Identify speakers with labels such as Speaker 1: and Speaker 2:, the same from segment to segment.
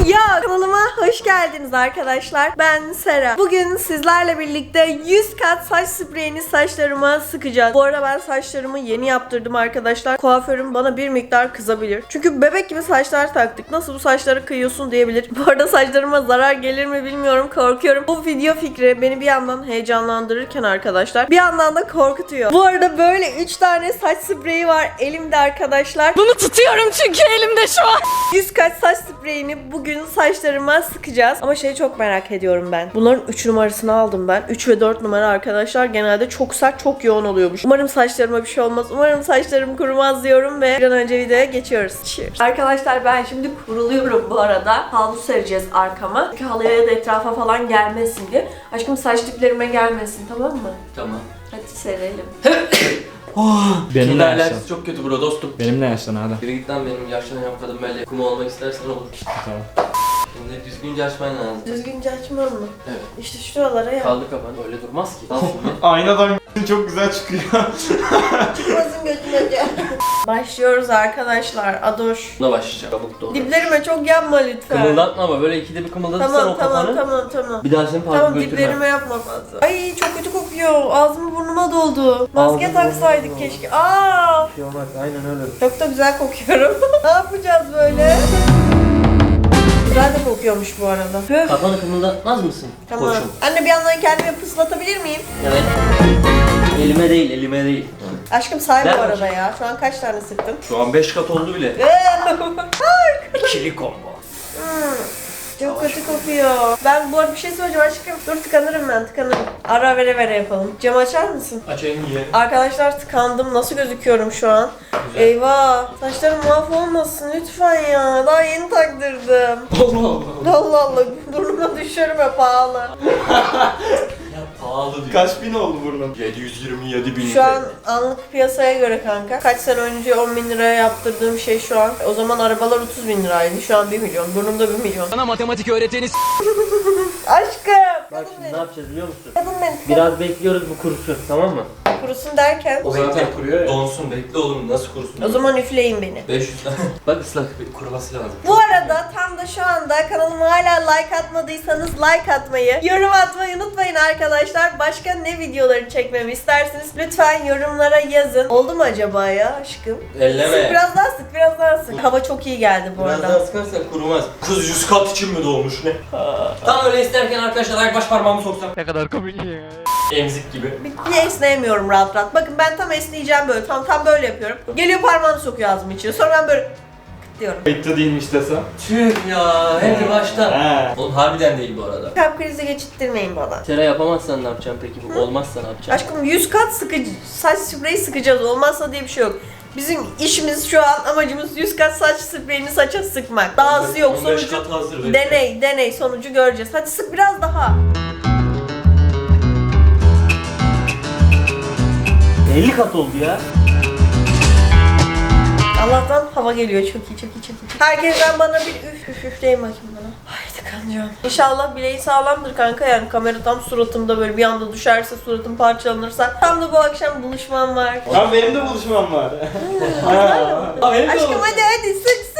Speaker 1: Ya kanalıma hoş geldiniz arkadaşlar. Ben Sera. Bugün sizlerle birlikte 100 kat saç spreyini saçlarıma sıkacağız. Bu arada ben saçlarımı yeni yaptırdım arkadaşlar. Kuaförüm bana bir miktar kızabilir. Çünkü bebek gibi saçlar taktık. Nasıl bu saçları kıyıyorsun diyebilir. Bu arada saçlarıma zarar gelir mi bilmiyorum. Korkuyorum. Bu video fikri beni bir yandan heyecanlandırırken arkadaşlar bir yandan da korkutuyor. Bu arada böyle 3 tane saç spreyi var elimde arkadaşlar. Bunu tutuyorum çünkü elimde şu an. 100 kat saç spreyini bugün saçlarıma sıkacağız. Ama şeyi çok merak ediyorum ben. Bunların 3 numarasını aldım ben. 3 ve 4 numara arkadaşlar genelde çok sert, çok yoğun oluyormuş. Umarım saçlarıma bir şey olmaz. Umarım saçlarım kurumaz diyorum ve bir an önce videoya geçiyoruz. Cheers. Arkadaşlar ben şimdi kuruluyorum bu arada. Havlu sereceğiz arkama. Çünkü halıya ya da etrafa falan gelmesin diye. Aşkım saç diplerime gelmesin, tamam mı?
Speaker 2: Tamam.
Speaker 1: Hadi serelim.
Speaker 3: Benimle yaşlan.
Speaker 2: Alerjisi çok kötü bro dostum.
Speaker 3: Benimle yaşlan hadi.
Speaker 2: Biri git lan benim yaşlanan kadın böyle kuma olmak istersen olur.
Speaker 3: Tamam.
Speaker 2: Şimdi düzgünce açman lazım.
Speaker 1: Düzgünce açmam mı?
Speaker 2: Evet.
Speaker 1: İşte şuralara ya.
Speaker 2: Kaldı kafanı. Öyle durmaz ki. Al şimdi.
Speaker 4: Aynadan çok güzel çıkıyor.
Speaker 1: Çıkmasın götüme gel. Başlıyoruz arkadaşlar. Adoş.
Speaker 2: Buna başlayacağım. Kabuk doğru.
Speaker 1: Diplerime çok yapma lütfen.
Speaker 2: Kımıldatma ama böyle ikide bir kımıldatırsan
Speaker 1: Tamam
Speaker 2: o kafanı.
Speaker 1: tamam.
Speaker 2: Bir daha seni parka
Speaker 1: Tamam,
Speaker 2: götürmem.
Speaker 1: diplerime yapma fazla. Ay çok kötü kokuyor. Ağzım burnuma doldu. Maske
Speaker 2: Ağzım
Speaker 1: taksaydık
Speaker 2: burnuma
Speaker 1: keşke. Aa!
Speaker 2: Bir şey olmaz. Aynen öyle.
Speaker 1: Çok da güzel kokuyorum. Ne yapacağız böyle? Güzel de kokuyormuş bu arada. Höf.
Speaker 2: Kafanı kımıldatmaz mısın?
Speaker 1: Tamam.
Speaker 2: Koçum.
Speaker 1: Anne bir yandan kendimi pıslatabilir miyim?
Speaker 2: Evet. Elime değil, elime değil.
Speaker 1: Aşkım say bu
Speaker 2: Ver
Speaker 1: arada
Speaker 2: bakayım.
Speaker 1: ya. Şu an kaç tane sıktın?
Speaker 2: Şu an 5 kat oldu bile. İkili combo.
Speaker 1: Çok kötü kokuyor. Ben bu arada bir şey söyleyeceğim aşkım. Dur tıkanırım ben, tıkanırım. Ara vere yapalım. Camı açar mısın?
Speaker 2: Açayım yiyelim.
Speaker 1: Arkadaşlar tıkandım. Nasıl gözüküyorum şu an?
Speaker 2: Güzel.
Speaker 1: Eyvah. Saçlarım mahvolmasın lütfen ya. Daha yeni taktırdım.
Speaker 2: Allah Allah.
Speaker 1: Allah Allah. Burnuma düşürme pahalı.
Speaker 2: Ya pahalı diyor.
Speaker 4: Kaç bin oldu burnum?
Speaker 2: 727 bin.
Speaker 1: Şu an anlık piyasaya göre kanka. Kaç sene önce 10 bin liraya yaptırdığım şey şu an. O zaman arabalar 30 bin liraydı. Şu an 1 milyon. Burnumda 1 milyon.
Speaker 5: Bana matematik öğreteni
Speaker 1: Aşkım.
Speaker 2: Bak
Speaker 1: Kadın
Speaker 2: şimdi ne
Speaker 1: benim.
Speaker 2: yapacağız biliyor musun?
Speaker 1: Kadın benim.
Speaker 2: Biraz bekliyoruz bu kurusun, tamam mı?
Speaker 1: Kurusun derken.
Speaker 2: O zaten kuruyor ya. Donsun, bekle oğlum, nasıl kurusun?
Speaker 1: O zaman üfleyin beni.
Speaker 2: 500 tane. Bak ıslak, kuruması lazım.
Speaker 1: Bu arada tam da şu anda kanalıma hala like atmadıysanız like atmayı, yorum atmayı unutmayın arkadaşlar. Başka ne videoları çekmemi isterseniz lütfen yorumlara yazın. Oldu mu acaba ya aşkım?
Speaker 2: Elleme.
Speaker 1: Sık biraz daha sık, biraz daha sık. Hava çok iyi geldi bu
Speaker 2: Biraz
Speaker 1: arada.
Speaker 2: daha sıkarsan kurumaz. Kız 100 kat için mi doğmuş ne? Tam öyle isterken arkadaşlar ayak baş parmağımı soksam.
Speaker 5: ne kadar komik ya.
Speaker 2: Emzik gibi.
Speaker 1: Bir esneyemiyorum rahat rahat. Bakın ben tam esneyeceğim böyle. Tam böyle yapıyorum. Geliyor parmağını sokuyor ağzımın içine. Sonra ben böyle diyorum.
Speaker 4: Kayıtta değilmiş desem.
Speaker 2: Tüh ya, hep baştan.
Speaker 4: He.
Speaker 2: Oğlum harbiden değil bu arada.
Speaker 1: Kalp krizi geçirttirmeyin bana.
Speaker 2: Tera yapamazsan ne yapacaksın peki? Bu olmazsa ne yapacaksın?
Speaker 1: Aşkım 100 kat sıkıcı saç spreyi sıkacağız. Olmazsa diye bir şey yok. Bizim işimiz şu an amacımız 100 kat saç spreyini saça sıkmak. Dahası yok.
Speaker 2: 15
Speaker 1: Sonucu
Speaker 2: kat hazır. bekle.
Speaker 1: deney sonucu göreceğiz. Hadi sık biraz daha.
Speaker 2: 50 kat oldu ya.
Speaker 1: Allah'tan hava geliyor. Çok iyi. Herkesten bana bir üfleyin bakayım bana. Ay tıkanacağım. İnşallah bileği sağlamdır kanka, yani kamera tam suratımda böyle bir anda düşerse, suratım parçalanırsa. Tam da bu akşam buluşmam var.
Speaker 4: Ha benim de buluşmam var.
Speaker 2: Aa, benim de
Speaker 1: Aşkım
Speaker 2: oldu.
Speaker 1: hadi sıkın.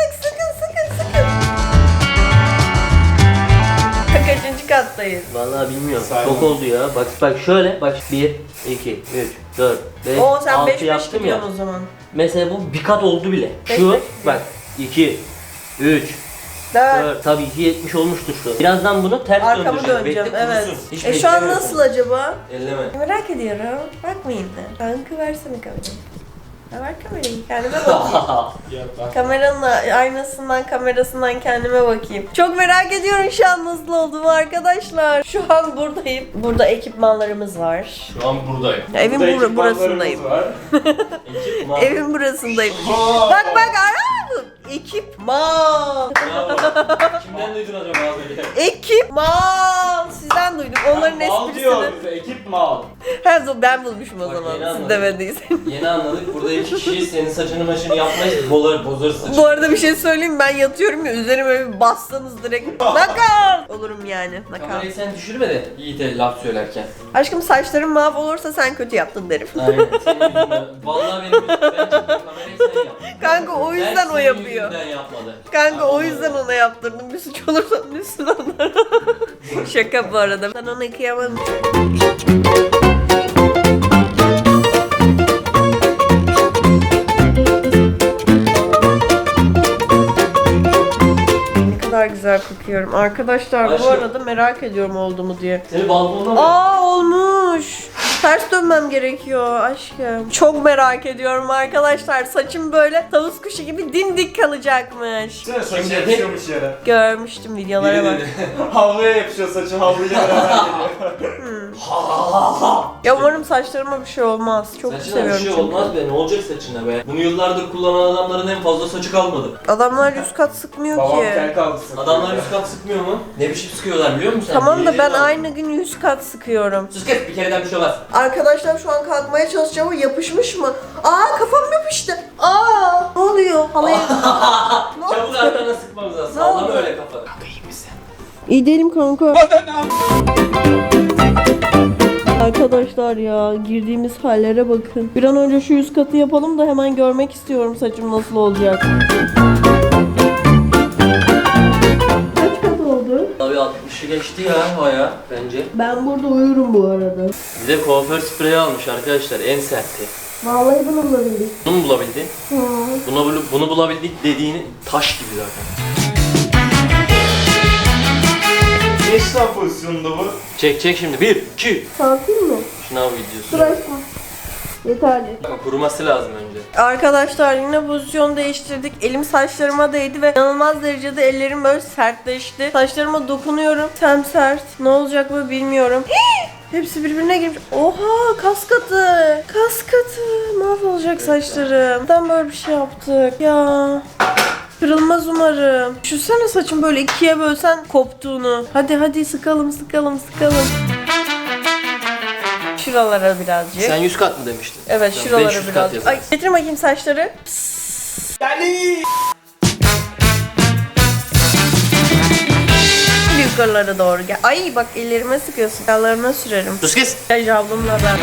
Speaker 1: Kaçıncı kattayız?
Speaker 2: Vallahi bilmiyorum.
Speaker 4: Sayma.
Speaker 2: Çok oldu ya. Bak şöyle. Bak 1, 2, 3, 4, 5,
Speaker 1: Oo sen
Speaker 2: 6
Speaker 1: 5-5
Speaker 2: yaptım ya.
Speaker 1: gidiyorsun o zaman.
Speaker 2: Mesela bu bir kat oldu bile.
Speaker 1: Beş
Speaker 2: Şu
Speaker 1: beş
Speaker 2: bak 2, 3,
Speaker 1: 4.
Speaker 2: 4. Tabii 270 olmuştur şu. Birazdan bunu ters
Speaker 1: Arkamı
Speaker 2: döndüreceğim.
Speaker 1: döneceğim,
Speaker 2: Bekle,
Speaker 1: evet.
Speaker 2: kurusun. Hiç
Speaker 1: Şu an
Speaker 2: beklemiyorsun.
Speaker 1: nasıl acaba?
Speaker 2: Elleme.
Speaker 1: Merak ediyorum. Bakmayayım da. Kanka versene kamerayı. Ya ver kamerayı. Kendime bakayım. Kameranın aynasından, kamerasından kendime bakayım. Çok merak ediyorum şu an nasıl olduğumu arkadaşlar. Şu an buradayım. Burada ekipmanlarımız var.
Speaker 2: Şu an buradayım.
Speaker 1: Evin
Speaker 4: Burada
Speaker 1: burasındayım.
Speaker 4: ekipmanlarımız var.
Speaker 2: Ekipman.
Speaker 1: Evin burasındayım. Bak ara. Ekipman.
Speaker 2: Bravo. Kimden duydun acaba az önce?
Speaker 1: Ekipman. Sizden duydum. Onların
Speaker 4: Mal diyor
Speaker 1: esprisini.
Speaker 4: bize, ekip mal.
Speaker 1: Ben bulmuşum o
Speaker 2: Bak,
Speaker 1: zaman.
Speaker 2: yeni
Speaker 1: Siz
Speaker 2: anladım.
Speaker 1: demediyseniz.
Speaker 2: Yeni anladık. Burada iki kişi senin saçını maçını yapmayız. Bozar saçını.
Speaker 1: Bu arada bir şey söyleyeyim mi? Ben yatıyorum ya, üzerime bir bassanız direkt nakal olurum yani. Nakal.
Speaker 2: Kamerayı sen düşürme de Yiğit'e laf söylerken.
Speaker 1: Aşkım saçlarım mavi olursa sen kötü yaptın derim.
Speaker 2: Aynen. Senin yüzünden. Vallahi benim yüzümden. Ben çektim kamerayı sen yap.
Speaker 1: Kanka o yüzden o yapıyor.
Speaker 2: Ben yapmadı.
Speaker 1: Kanka o yüzden ona yaptırdım. Bir suç olursa üstüne anlar. Şaka bu arada. Ben onu yıkayamam. Ne kadar güzel kokuyorum. Arkadaşlar bu
Speaker 2: Aşkım.
Speaker 1: arada merak ediyorum oldu mu diye.
Speaker 2: Seni balkonda mı?
Speaker 1: Aa olmuş. Ters dönmem gerekiyor aşkım. Çok merak ediyorum arkadaşlar. Saçım böyle tavus kuşu gibi dimdik kalacakmış.
Speaker 4: Sen saçı
Speaker 2: Şimdi-
Speaker 4: yapışıyormuş yere.
Speaker 1: Görmüştüm videolara bak.
Speaker 4: Havluya yapışıyor saçı, havluyla beraber geliyor.
Speaker 1: Ya umarım saçlarıma bir şey olmaz. Çok
Speaker 2: Saçına bir
Speaker 1: seviyorum
Speaker 2: şey
Speaker 1: çünkü.
Speaker 2: olmaz be. Ne olacak saçına be? Bunu yıllardır kullanan adamların en fazla saçı kalmadı.
Speaker 1: Adamlar 100 kat sıkmıyor
Speaker 4: Babam
Speaker 1: ki.
Speaker 4: kel kaldırsın.
Speaker 2: Adamlar 100 kat sıkmıyor mu? Ne biçim sıkıyorlar biliyor musun sen?
Speaker 1: Tamam da ben
Speaker 2: Yemin
Speaker 1: aynı gün 100 kat sıkıyorum.
Speaker 2: Sus kes, bir kereden bir şey olmaz.
Speaker 1: Arkadaşlar şu an kalkmaya çalışacağım ama yapışmış mı? Aa kafam yapıştı. Aa ne oluyor? Halaya...
Speaker 2: Çabuk arkana sıkmamız lazım.
Speaker 1: Ne
Speaker 2: Sallama
Speaker 1: oldu?
Speaker 2: öyle kafanı. Kanka iyi misin?
Speaker 1: İyi değilim kanka. Arkadaşlar ya girdiğimiz hallere bakın. Bir an önce şu 100 katı yapalım da hemen görmek istiyorum saçım nasıl olacak. Kaç kat oldu?
Speaker 2: Abi 60'ı geçti ya baya bence.
Speaker 1: Ben burada uyurum bu arada.
Speaker 2: Bir de kuaför spreyi almış arkadaşlar, en serti.
Speaker 1: Vallahi bunu bulabildik.
Speaker 2: Bunu mu bulabildin?
Speaker 1: Hı.
Speaker 2: Bunu bulabildik dediğini taş gibi zaten.
Speaker 4: Ne işlem pozisyonunda bu?
Speaker 2: Çek şimdi. 1, 2.
Speaker 1: Kalkayım mı?
Speaker 2: Şınav
Speaker 1: Dur
Speaker 2: videosu.
Speaker 1: aşkım. Yeterli.
Speaker 2: Kuruması lazım önce.
Speaker 1: Arkadaşlar yine pozisyon değiştirdik. Elim saçlarıma değdi ve inanılmaz derecede ellerim böyle sertleşti. Saçlarıma dokunuyorum. Sem sert. Ne olacak mı bilmiyorum. Hepsi birbirine girmiş. Oha kas katı. Kas katı. Mahvolacak saçlarım. Neden böyle bir şey yaptık ya? Kırılmaz umarım. Düşünsene saçım böyle ikiye bölsen koptuğunu. Hadi sıkalım. Şuralara birazcık.
Speaker 2: Sen 100 kat mı demiştin?
Speaker 1: Evet
Speaker 2: Tamam,
Speaker 1: şuralara
Speaker 2: 500 kat
Speaker 1: birazcık. Ay
Speaker 2: yaparız.
Speaker 1: getir bakayım saçları.
Speaker 4: Deli!
Speaker 1: Yukarılara doğru gel. Ay bak ellerime sıkıyorsun. Yanlarına sürerim.
Speaker 2: Sus kes.
Speaker 1: Gel ablamla ben.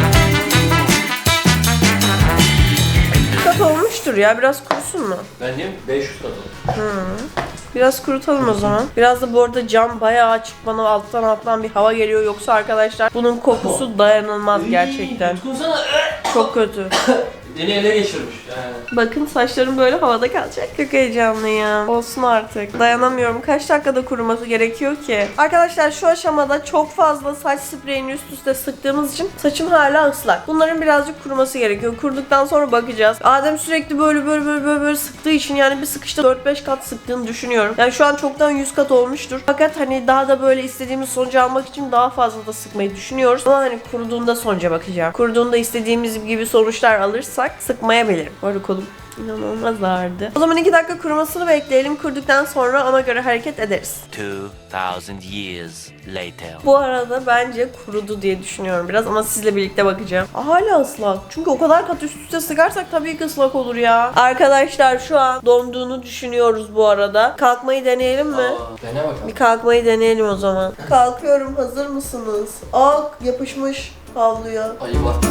Speaker 1: Kat olmuştur ya. Biraz kurusun mu?
Speaker 2: Ben diyeyim 500 kat olur.
Speaker 1: Biraz kurutalım o zaman. Biraz da bu arada cam bayağı açık. Bana alttan bir hava geliyor. Yoksa arkadaşlar bunun kokusu dayanılmaz gerçekten.
Speaker 2: Tutkunsana.
Speaker 1: Çok kötü.
Speaker 2: Beni ele geçirmiş. Yani.
Speaker 1: Bakın saçlarım böyle havada kalacak. Çok heyecanlıyım. Olsun artık. Dayanamıyorum. Kaç dakikada kuruması gerekiyor ki? Arkadaşlar şu aşamada çok fazla saç spreyini üst üste sıktığımız için saçım hala ıslak. Bunların birazcık kuruması gerekiyor. Kuruduktan sonra bakacağız. Adem sürekli böyle sıktığı için yani bir sıkışta 4-5 kat sıktığını düşünüyorum. Yani şu an çoktan 100 kat olmuştur. Fakat hani daha da böyle istediğimiz sonucu almak için daha fazla da sıkmayı düşünüyoruz. Ama hani kuruduğunda sonuca bakacağım. Kuruduğunda istediğimiz gibi sonuçlar alırsak sıkmayabilirim. Bu arada kolum inanılmaz ağrıdı. O zaman 2 dakika kurumasını bekleyelim. Kuruduktan sonra ona göre hareket ederiz.
Speaker 5: 2000 years later.
Speaker 1: Bu arada bence kurudu diye düşünüyorum biraz ama sizle birlikte bakacağım. Hala ıslak. Çünkü o kadar kat üst üste sıkarsak tabii ki ıslak olur ya. Arkadaşlar şu an donduğunu düşünüyoruz bu arada. Kalkmayı deneyelim mi?
Speaker 2: Dene bakalım.
Speaker 1: Bir kalkmayı deneyelim o zaman. Kalkıyorum. Hazır mısınız? Aa yapışmış havluya.
Speaker 2: Ayı var.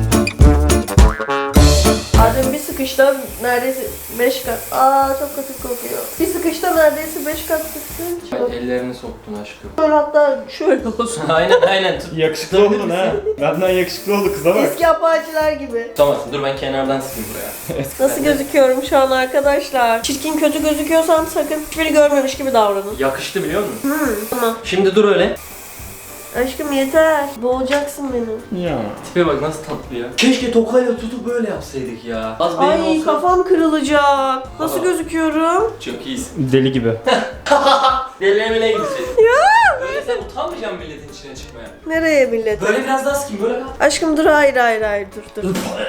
Speaker 1: Adem bir sıkışta neredeyse 5 kat. Aa çok kötü kokuyor. Bir sıkışta neredeyse 5 kat sıktın. Çok.
Speaker 2: Ellerini soktun aşkım.
Speaker 1: Şöyle hatta şöyle olsun.
Speaker 2: aynen tut.
Speaker 4: Yakışıklı oldun ha. Benden yakışıklı oldu kıza bak.
Speaker 1: Eski apaçiler gibi.
Speaker 2: Tutamazsın. Dur ben kenardan sıkayım buraya.
Speaker 1: Nasıl gözüküyorum şu an arkadaşlar? Çirkin kötü gözüküyorsam sakın hiçbiri görmemiş gibi davranın.
Speaker 2: Yakıştı biliyor musun?
Speaker 1: Tamam.
Speaker 2: Şimdi dur öyle.
Speaker 1: Aşkım yeter. Boğacaksın beni.
Speaker 4: Ya.
Speaker 2: Tipe bak nasıl tatlı ya. Keşke tokayla tutup böyle yapsaydık ya. Az benim
Speaker 1: Ay
Speaker 2: olsa.
Speaker 1: kafam kırılacak. Nasıl
Speaker 2: Aa.
Speaker 1: gözüküyorum?
Speaker 2: Çok iyisin.
Speaker 4: Deli gibi.
Speaker 2: Delemele gidecek.
Speaker 1: Ya.
Speaker 2: Böyle sen utanmayacaksın milletin içine çıkmaya.
Speaker 1: Nereye millet?
Speaker 2: Böyle biraz daha sıkayım böyle kal.
Speaker 1: Aşkım dur hayır dur.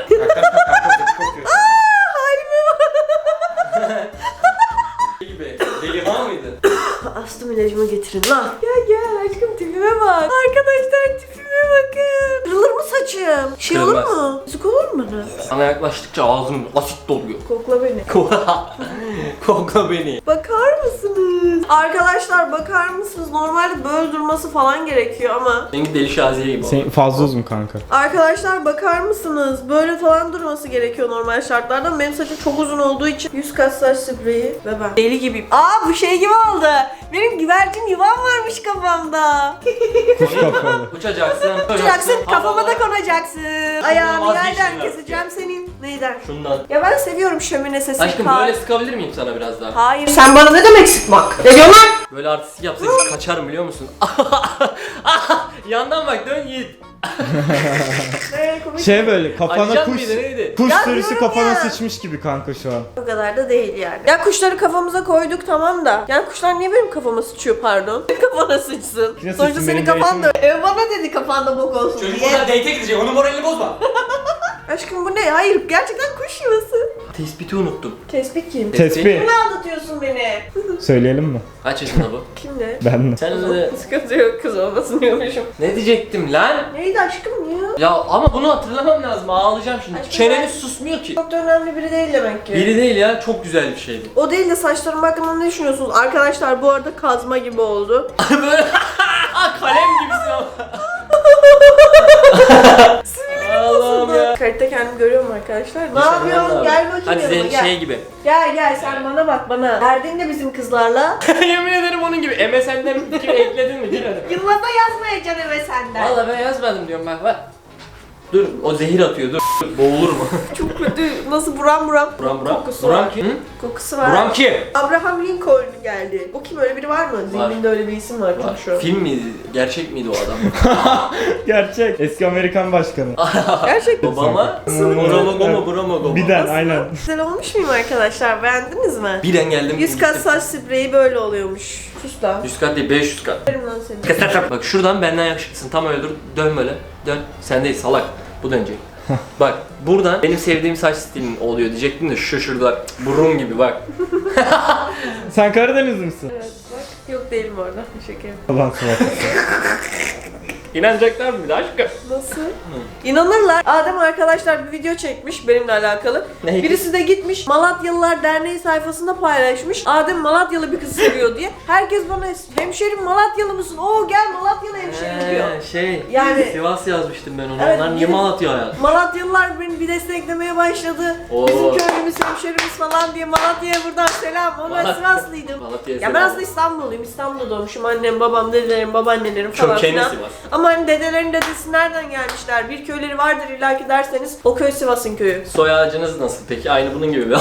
Speaker 1: Halime bak.
Speaker 2: gibi. Deli var mıydı?
Speaker 1: Astım ilacımı getirin lan. Gel aşkım tipime bak. Arkadaşlar tipime Tipime bakın. Kırılır mı saçım? Şey olur
Speaker 2: Kırılmaz.
Speaker 1: mu? Sık olur mu bana?
Speaker 2: Sana yaklaştıkça ağzım asit doluyor.
Speaker 1: Kokla beni.
Speaker 2: Kokla beni.
Speaker 1: Bakar mısınız? Arkadaşlar bakar mısınız? Normalde böyle durması falan gerekiyor ama.
Speaker 2: Seninki deli şaziye gibi oldu.
Speaker 3: Sen fazla uzun kanka.
Speaker 1: Arkadaşlar bakar mısınız? Böyle falan durması gerekiyor normal şartlarda. Benim saçım çok uzun olduğu için 100 kat saç spreyi ve ben deli gibiyim. Aa bu şey gibi oldu. Benim güvercin yuvam varmış kafamda.
Speaker 3: Kuş kafalı.
Speaker 2: Uçacaksın.
Speaker 1: Uçacaksın kafama da
Speaker 2: havalara-
Speaker 1: konacaksın. Ayağını
Speaker 2: vazgeçtin
Speaker 1: yerden
Speaker 2: artık
Speaker 1: keseceğim senin. Neyden?
Speaker 2: Şundan.
Speaker 1: Ya ben seviyorum şömine sesi.
Speaker 2: Aşkım böyle sıkabilir miyim sana biraz daha?
Speaker 1: Hayır. Sen bana ne demek sıkmak? Ne diyorsun lan?
Speaker 2: Böyle artistik yapsaydık kaçarım biliyor musun? Yandan bak dön Yiğit.
Speaker 3: Şey böyle kafana
Speaker 2: Acıcan
Speaker 3: kuş,
Speaker 2: mıydı neydi?
Speaker 3: kuş
Speaker 1: Ya
Speaker 3: sürüsü
Speaker 1: diyorum
Speaker 3: kafana
Speaker 1: ya.
Speaker 3: sıçmış gibi kanka şu an.
Speaker 1: O kadar da değil yani. Ya kuşları kafamıza koyduk tamam da. Yani kuşlar niye benim kafama sıçıyor pardon? Kafana sıçsın.
Speaker 3: Yine
Speaker 1: Sonuçta
Speaker 3: sıçsın,
Speaker 1: senin
Speaker 3: benim
Speaker 1: kafan da.
Speaker 3: date'im
Speaker 1: Bana dedi kafanda bok olsun
Speaker 2: Çocuk
Speaker 1: diye.
Speaker 2: burada date'e gidecek onun moralini bozma.
Speaker 1: Aşkım bu ne? Hayır gerçekten kuş yuvası.
Speaker 2: Tespiti unuttum.
Speaker 1: Tespih kim?
Speaker 3: Tespih.
Speaker 1: Kimle aldatıyorsun beni?
Speaker 3: Söyleyelim mi?
Speaker 2: Kaç yaşında bu?
Speaker 1: Kimle?
Speaker 3: Ben de.
Speaker 2: Sen de...
Speaker 1: Sıkıntı yok kız olmasın diyormuşum.
Speaker 2: Ne diyecektim lan?
Speaker 1: Neydi aşkım ya?
Speaker 2: Ya ama bunu hatırlamam lazım ağlayacağım şimdi.
Speaker 1: Aşkım
Speaker 2: Çeneniz
Speaker 1: ben-
Speaker 2: susmuyor ki.
Speaker 1: Çok da önemli biri değil demek ki.
Speaker 2: Biri değil ya çok güzel bir şeydi.
Speaker 1: O değil de saçlarım hakkında ne düşünüyorsunuz? Arkadaşlar bu arada kazma gibi oldu.
Speaker 2: Böyle kalem gibisin ama. Allah'ım ya.
Speaker 1: Kayıtta kendimi görüyorum arkadaşlar. Ne
Speaker 2: Nişanlan
Speaker 1: yapıyorsun?
Speaker 2: abi.
Speaker 1: Gel bakayım
Speaker 2: Hadi
Speaker 1: yanıma
Speaker 2: senin
Speaker 1: gel.
Speaker 2: şey gibi.
Speaker 1: Gel sen bana bak bana. Derdin de bizim kızlarla.
Speaker 2: Yemin ederim onun gibi. MSN'den fikir ekledin mi? Gir hadi.
Speaker 1: Yılmaz'a yazmayacaksın eve senden.
Speaker 2: Valla ben yazmadım diyorum bak. Dur o zehir atıyor dur. Boğulur mu?
Speaker 1: Çok kötü. Nasıl buram
Speaker 2: Buram.
Speaker 1: kokusu
Speaker 2: Buram
Speaker 1: var.
Speaker 2: kim? Hı?
Speaker 1: Kokusu var.
Speaker 2: Buram kim?
Speaker 1: Abraham Lincoln geldi. O kim öyle biri var mı? Zihninde öyle bir isim var çünkü şu an.
Speaker 2: Film miydi? Gerçek miydi o adam?
Speaker 3: Gerçek. Eski Amerikan başkanı.
Speaker 1: Gerçekten.
Speaker 2: Obama? Bramago.
Speaker 3: Birden aynen.
Speaker 1: Güzel olmuş muyum arkadaşlar? Beğendiniz mi?
Speaker 2: Birden geldim.
Speaker 1: 100 kat saç spreyi böyle oluyormuş. Sus lan.
Speaker 2: 100 kat değil 500 kat.
Speaker 1: Verim lan seni.
Speaker 2: Bak şuradan benden yakışıklısın. Tam öyle dur. Dön böyle. Dön. Sen değil salak. Bu dönecek. Bak buradan benim sevdiğim saç stilin oluyor diyecektim de şu şurada burun gibi bak.
Speaker 3: Sen Karadenizli misin?
Speaker 1: Evet bak. Yok değilim orada. Şaka yapıyorum.
Speaker 3: Ulan salak.
Speaker 2: İnanacaklar mı bir de aşkım?
Speaker 1: Nasıl? İnanırlar. Adem arkadaşlar bir video çekmiş benimle alakalı.
Speaker 2: Neydi?
Speaker 1: Birisi de gitmiş Malatyalılar Derneği sayfasında paylaşmış. Adem Malatyalı bir kızı seviyor diye. Herkes bana hemşerim Malatyalı mısın? Oo gel Malatyalı hemşerim diyor.
Speaker 2: Şey,
Speaker 1: Yani-
Speaker 2: Sivas yazmıştım ben onu.
Speaker 1: Evet,
Speaker 2: Onlar niye
Speaker 1: gidin-
Speaker 2: Malatya yazmış?
Speaker 1: Malatyalılar beni bir desteklemeye başladı.
Speaker 2: Oo.
Speaker 1: Bizim köylümüz hemşerimiz falan diye Malatya'ya buradan selam. Ona
Speaker 2: Malatya-
Speaker 1: Sivaslıydım.
Speaker 2: Malatya'ya
Speaker 1: Ya ben
Speaker 2: selam.
Speaker 1: aslında İstanbulluyum. İstanbul'da doğmuşum. Annem, babam, dedelerim, babaannelerim falan
Speaker 2: Kökeni
Speaker 1: filan.
Speaker 2: Sivas.
Speaker 1: Ama hani dedelerin dedesi nereden gelmişler? Bir köyleri vardır illaki derseniz o köy Sivas'ın köyü.
Speaker 2: Soy ağacınız nasıl peki? Aynı bunun gibi mi?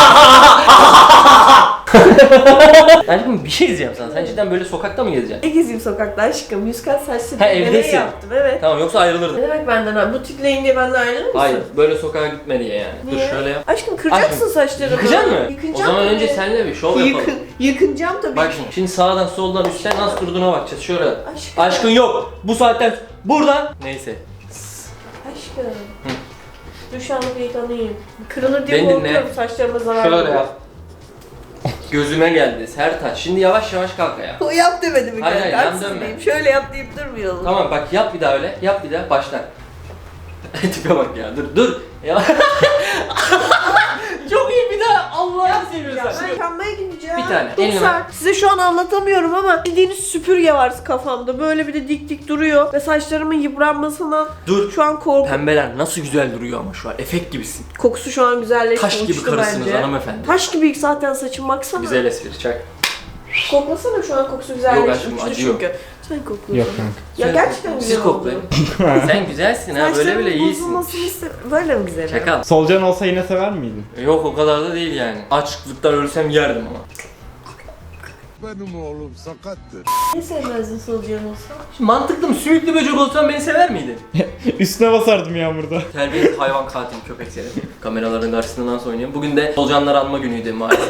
Speaker 2: Aşkım bir şey diyeceğim sana. Sen cidden böyle sokakta mı gezeceksin?
Speaker 1: Ne gezeyim sokakta aşkım? 100 kat saç
Speaker 2: Ha,
Speaker 1: spreyi
Speaker 2: evdesin.
Speaker 1: yaptım evet.
Speaker 2: Tamam yoksa ayrılırdın.
Speaker 1: Ne demek benden abi? Bu tipleyin diye benden ayrılır mısın?
Speaker 2: Hayır, böyle sokağa gitme diye yani.
Speaker 1: Niye?
Speaker 2: Dur şöyle yap.
Speaker 1: Aşkım kıracaksın
Speaker 2: Aşkım,
Speaker 1: saçlarımı.
Speaker 2: Yıkacaksın mı?
Speaker 1: Yıkayacağım
Speaker 2: O zaman
Speaker 1: tabii.
Speaker 2: önce senle bir şov yapalım.
Speaker 1: Yıkınacağım tabii.
Speaker 2: Bak şimdi sağdan soldan üstten nasıl durduğuna bakacağız. Şöyle.
Speaker 1: Aşkım.
Speaker 2: Aşkın yok. Bu saatten buradan. Neyse.
Speaker 1: Aşkım. Duş alıp yıkanayım. Kırılır diye
Speaker 2: Beni dinle.
Speaker 1: korkuyorum saçlarıma zarar
Speaker 2: Şöyle
Speaker 1: veriyor.
Speaker 2: yap. Gözüme geldi. Sertaç. Şimdi yavaş yavaş kalk ayağa.
Speaker 1: O yap demedi mi
Speaker 2: Hayır,
Speaker 1: kanka?
Speaker 2: hayır, yan
Speaker 1: Haksız
Speaker 2: dönme.
Speaker 1: mıyım? Şöyle yap deyip durmayalım.
Speaker 2: Tamam bak yap bir daha öyle. Yap bir daha. Başla. Tipe bak ya. Dur. Ya. Çok iyi bir daha. Allah'ını seviyorsan.
Speaker 1: Ben yıkanmaya gideceğim.
Speaker 2: Bir tane,
Speaker 1: Çok
Speaker 2: elime
Speaker 1: sert. Size şu an anlatamıyorum ama bildiğiniz süpürge var kafamda. Böyle bir de dik dik duruyor. Ve saçlarımın yıpranmasından
Speaker 2: Dur.
Speaker 1: şu an korkuyorum.
Speaker 2: Pembeler nasıl güzel duruyor ama şu an. Efekt gibisin.
Speaker 1: Kokusu şu an güzelleşti.
Speaker 2: Taş gibi
Speaker 1: uçtu
Speaker 2: karısınız
Speaker 1: bence.
Speaker 2: hanımefendi.
Speaker 1: Taş gibi zaten saçım baksana.
Speaker 2: Güzel espri çak.
Speaker 1: Koklasana şu an kokusu güzelleşti.
Speaker 2: Yok aşkım,
Speaker 1: uçtu
Speaker 2: acıyor.
Speaker 1: çünkü. Sen kokluyorsun.
Speaker 3: Yok kanka.
Speaker 1: Ya
Speaker 2: Sen-
Speaker 1: gerçekten güzel
Speaker 2: Siz
Speaker 1: oldu.
Speaker 2: koklayın. Sen güzelsin ha. Böyle
Speaker 1: Saçlarımın
Speaker 2: bile iyisin.
Speaker 1: bozulmasını Böyle mi güzel?
Speaker 2: Çakal.
Speaker 3: Solucan olsa yine sever miydin?
Speaker 2: Yok o kadar da değil yani. Açlıktan ölsem yerdim ama.
Speaker 6: Benim oğlum sakattır.
Speaker 1: Niye sevmezdin solucan olsa?
Speaker 2: Şimdi mantıklı mı? Sümüklü böcek olsan beni sever miydin?
Speaker 3: Üstüne basardım yağmurda.
Speaker 2: Terbiyesiz hayvan katil köpek seni. Kameraların karşısında nasıl oynuyorum? Bugün de solucanları anma günüydü maalesef.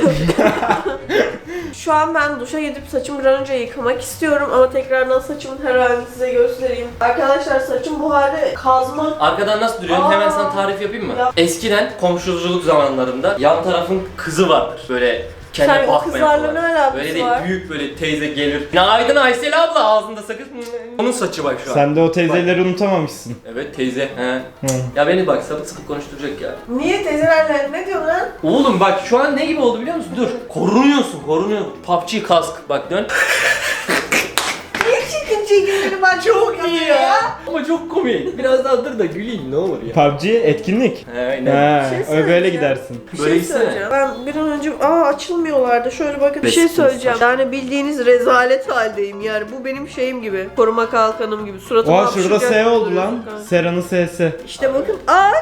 Speaker 1: Şu an ben duşa gidip saçımı bir an önce yıkamak istiyorum ama tekrardan saçımın her halini size göstereyim. Arkadaşlar saçım bu halde kazma.
Speaker 2: Arkadan nasıl duruyorum? Hemen sana tarif yapayım mı?
Speaker 1: Yap.
Speaker 2: Eskiden komşuculuk zamanlarında yan tarafın kızı vardır. Böyle Kendine
Speaker 1: Sen o
Speaker 2: bakmayan
Speaker 1: kızlarla
Speaker 2: falan.
Speaker 1: ne alakası
Speaker 2: Böyle değil,
Speaker 1: var?
Speaker 2: büyük böyle teyze gelir. Günaydın Aysel abla, ağzında sakız. Onun saçı bak şu an.
Speaker 3: Sen de o teyzeleri unutamamışsın.
Speaker 2: Evet teyze. He.
Speaker 3: Hı.
Speaker 2: Ya beni bak sapık sapık konuşturacak ya.
Speaker 1: Niye teyzelerle ne diyorsun lan?
Speaker 2: Oğlum bak şu an ne gibi oldu biliyor musun? Dur. Korunuyorsun. PUBG kask. Bak dön.
Speaker 1: Niye çirkin çirkinleri ben çok iyi ya?
Speaker 2: Ama çok komik. Biraz daha dur da güleyim ne olur ya.
Speaker 3: PUBG etkinlik.
Speaker 2: He, aynen.
Speaker 3: He,
Speaker 1: şey
Speaker 3: öyle
Speaker 1: söyleyeceğim.
Speaker 3: böyle gidersin.
Speaker 1: Bir
Speaker 2: Böyle
Speaker 1: şey
Speaker 2: gitsene.
Speaker 1: söyleyeceğim. Ben bir an önce açılmıyorlardı. Şöyle bakın bir şey
Speaker 2: Resmi
Speaker 1: söyleyeceğim. Yani bildiğiniz rezalet haldeyim yani. Bu benim şeyim gibi. Koruma kalkanım gibi. Suratıma
Speaker 3: Oha şurada
Speaker 1: hapşıracak
Speaker 3: S
Speaker 1: gibi
Speaker 3: oldu
Speaker 1: duruyorsun
Speaker 3: lan.
Speaker 1: kanka.
Speaker 3: Sera'nın S'si.
Speaker 1: İşte bakın.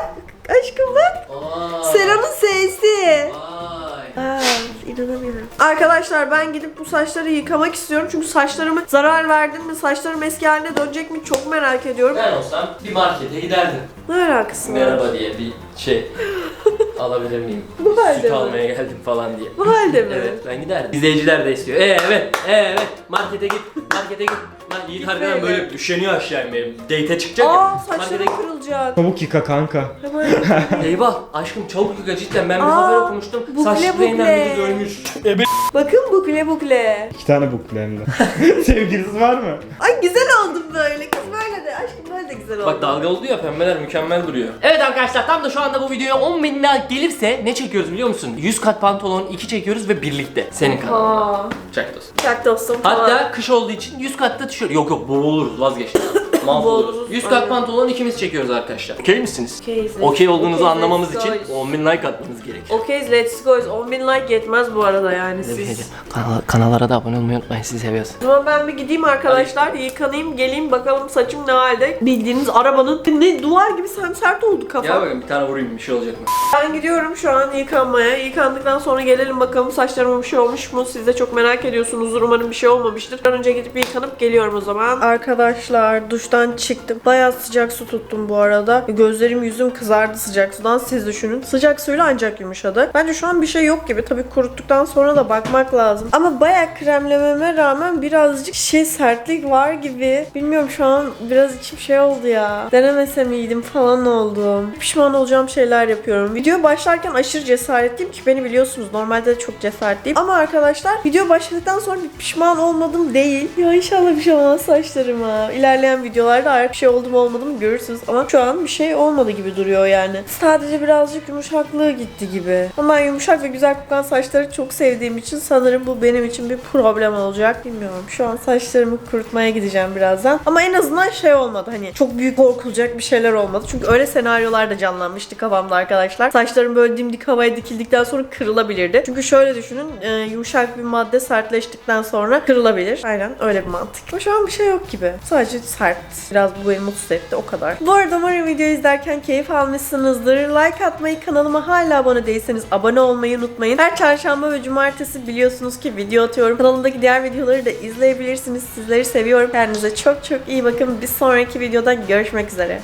Speaker 1: Aşkım bak. Sera'nın S'si.
Speaker 2: Vay.
Speaker 1: İnanamıyorum. Arkadaşlar ben gidip bu saçları yıkamak istiyorum. Çünkü saçlarımı zarar verdim mi? Saçlarım eski haline dönecek mi? Çok merak ediyorum.
Speaker 2: Ben olsam bir markete giderdim.
Speaker 1: Ne alakası var?
Speaker 2: Merhaba diye bir şey alabilir miyim?
Speaker 1: Bu halde
Speaker 2: Süt
Speaker 1: mi?
Speaker 2: almaya geldim falan diye.
Speaker 1: Bu halde mi?
Speaker 2: Evet ben giderdim. İzleyiciler de istiyor. Evet. Markete git. Lan Yiğit harbiden böyle üşeniyor aşağı inmeye. Date'e çıkacak ya.
Speaker 1: Saçlarım
Speaker 2: Markete git.
Speaker 1: kırılacak.
Speaker 3: Çabuk yıka kanka.
Speaker 1: Hemen.
Speaker 2: Eyvah aşkım çabuk yıka cidden ben bir
Speaker 1: Aa,
Speaker 2: haber okumuştum.
Speaker 1: bukle
Speaker 2: Saç spreyinden
Speaker 1: bukle.
Speaker 2: bir kız ölmüş.
Speaker 1: Bakın bukle.
Speaker 3: 2 tane bukle hem de. Sevgilisi var mı?
Speaker 1: Ay güzel oldum böyle. Kız böyle de. Aşkım böyle de güzel oldu.
Speaker 2: Bak dalga oldu ya pembeler mükemmel duruyor. Evet arkadaşlar tam da şu anda bu videoya 10.000 like gelirse ne çekiyoruz biliyor musun? 100 kat pantolon 2 çekiyoruz ve birlikte. Senin kanalında.
Speaker 1: Aa.
Speaker 2: Çak dostum.
Speaker 1: Çak dostum falan.
Speaker 2: Hatta kış olduğu için 100 katta tişört. Yok boğuluruz vazgeçtim. Mahvoluruz.
Speaker 1: Boğuluruz,
Speaker 2: 100 kat
Speaker 1: aynen.
Speaker 2: pantolon ikimiz çekiyoruz arkadaşlar. Okey misiniz?
Speaker 1: Okeyiz.
Speaker 2: Okey olduğunuzu
Speaker 1: Okeyiz,
Speaker 2: anlamamız
Speaker 1: let's
Speaker 2: için
Speaker 1: go.
Speaker 2: 10.000 like atmanız gerekiyor.
Speaker 1: Okeyiz, let's go. 10.000 like yetmez bu arada yani siz.
Speaker 2: Kanallara da abone olmayı unutmayın sizi seviyoruz.
Speaker 1: O zaman ben bir gideyim arkadaşlar, yıkanayım, geleyim bakalım saçım ne halde. Bildiğiniz arabanın ne duvar gibi sert oldu
Speaker 2: Gel
Speaker 1: kafam.
Speaker 2: bakayım bir tane vurayım bir şey olacak mı?
Speaker 1: Ben gidiyorum şu an yıkanmaya. Yıkandıktan sonra gelelim bakalım saçlarıma bir şey olmuş mu? Siz de çok merak ediyorsunuz. Umarım bir şey olmamıştır. Ben önce gidip yıkanıp geliyorum o zaman. Arkadaşlar duştan çıktım. Bayağı sıcak su tuttum bu arada. Gözlerim yüzüm kızardı sıcak sudan. Siz düşünün. Sıcak suyla ancak yumuşadı. Bence şu an bir şey yok gibi. Tabii kuruttuktan sonra da bakmak lazım. Ama bayağı kremlememe rağmen birazcık sertlik var gibi. Bilmiyorum şu an biraz içim şey oldu ya. Denemese miydim falan oldum. Pişman olacağım şeyler yapıyorum. Video başlarken aşırı cesaretliyim ki beni biliyorsunuz. Normalde de çok cesaretliyim. Ama arkadaşlar video başladıktan sonra bir pişman olmadım değil. Ya inşallah bir şey olmaz saçlarıma. İlerleyen videolarda artık bir şey oldu mu olmadı mı görürsünüz. Ama şu an bir şey olmadı gibi duruyor yani. Sadece birazcık yumuşaklığı gitti gibi. Ama ben yumuşak ve güzel kokan saçları çok sevdiğim için sanırım bu benim için bir problem olacak. Bilmiyorum. Şu an saçlarımı kurutmaya gideceğim birazdan. Ama en azından şey olmadı. Hani çok büyük korkulacak bir şeyler olmadı. Çünkü öyle senaryolar da canlanmıştı kafamda arkadaşlar. Saçlarım böyle dimdik havaya dikildikten sonra kırılabilirdi. Çünkü şöyle düşünün. Yumuşak bir madde sertleştikten sonra kırılabilir. Aynen öyle bir mantık. Ama şu an bir şey yok gibi. Sadece sert. Biraz bu beni mutsuz etti. O kadar. Bu arada umarım videoyu izlerken keyif almışsınızdır. Like atmayı, kanalıma hala abone değilseniz abone olmayı unutmayın. Her çarşamba ve cumartesi biliyorsunuz ki video atıyorum. Kanalımdaki diğer videoları da izleyebilirsiniz. Sizleri seviyorum. Kendinize çok çok iyi bakın. Bir sonraki videoda görüşmek üzere.